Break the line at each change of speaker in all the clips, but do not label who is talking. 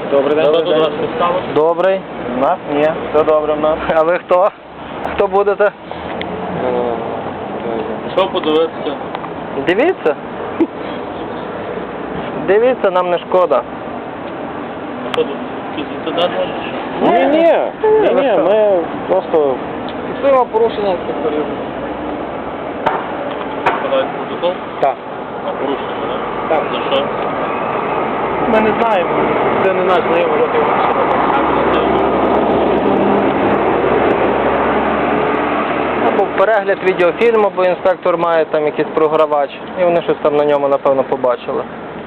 Добрий день.
Що тут у вас підстало?
Добрий. У нас? Ні. Все добре в нас. А ви хто? Хто будете?
Що подивитися?
Дивіться. Дивіться, нам не шкода.
Що тут? Якийсь інцидент?
Ні,
ми просто
фіксуємо порушення інспекторів.
Складають протокол?
так.
А порушення, так?
Так.
За що?
Ми не знаємо. Це не наш знайомий років. Або перегляд відеофільму, бо інспектор має там якийсь програвач. І вони щось там на ньому, напевно, побачили.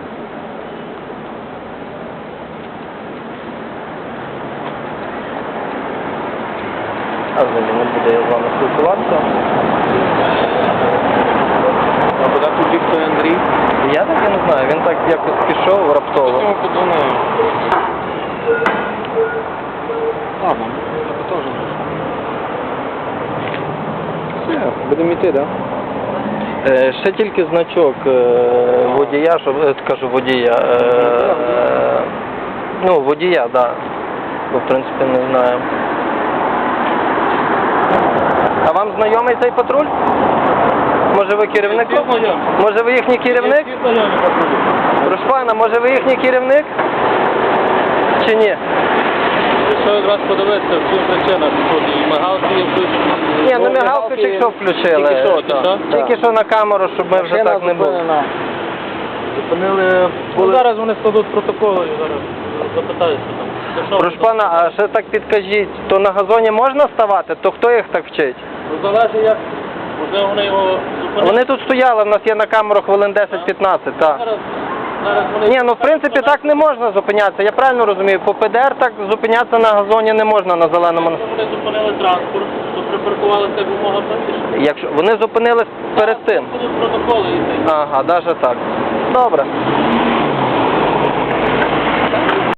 А взагалі не буде я з вами спілкуватися.
А куди тут бігти Андрій?
Я так і не знаю, він так якось пішов раптово.
Чому подумаю? Ладно, я теж. Все, будемо йти, так?
Ще тільки значок водія, щоб кажу водія. Ну, водія, так. Да. Бо в принципі не знаю. А вам знайомий цей патруль? Може ви керівник? Може ви їхній керівник? Прошу пана, може ви їхній керівник? Чи ні?
Що якраз подивитися, в чому причина? Тут і мигалки є включені.
Ні, ну мигалку тільки що включили.
Тільки що,
Так. Тільки що на камеру, щоб ми вже так не було.
Зупинили... Ну, зараз вони складуть протоколи і зараз запитаюся там. За що
Прошу
ви там?
пана, а ще так підкажіть, то на газоні можна ставати? То хто їх так вчить?
Ну, залежить як. Можливо, вони його зупинили.
Вони тут стояли, в нас є на камеру хвилин 10-15, так.
Зараз вони...
Ні, ну в принципі так не можна зупинятися, я правильно розумію, по ПДР так зупинятися на газоні не можна на зеленому.
Вони зупинили транспорт, то припаркувалися якомога правіше.
Якщо вони зупинились перед тим.
Будуть протоколи і
Ага, навіть так. Добре.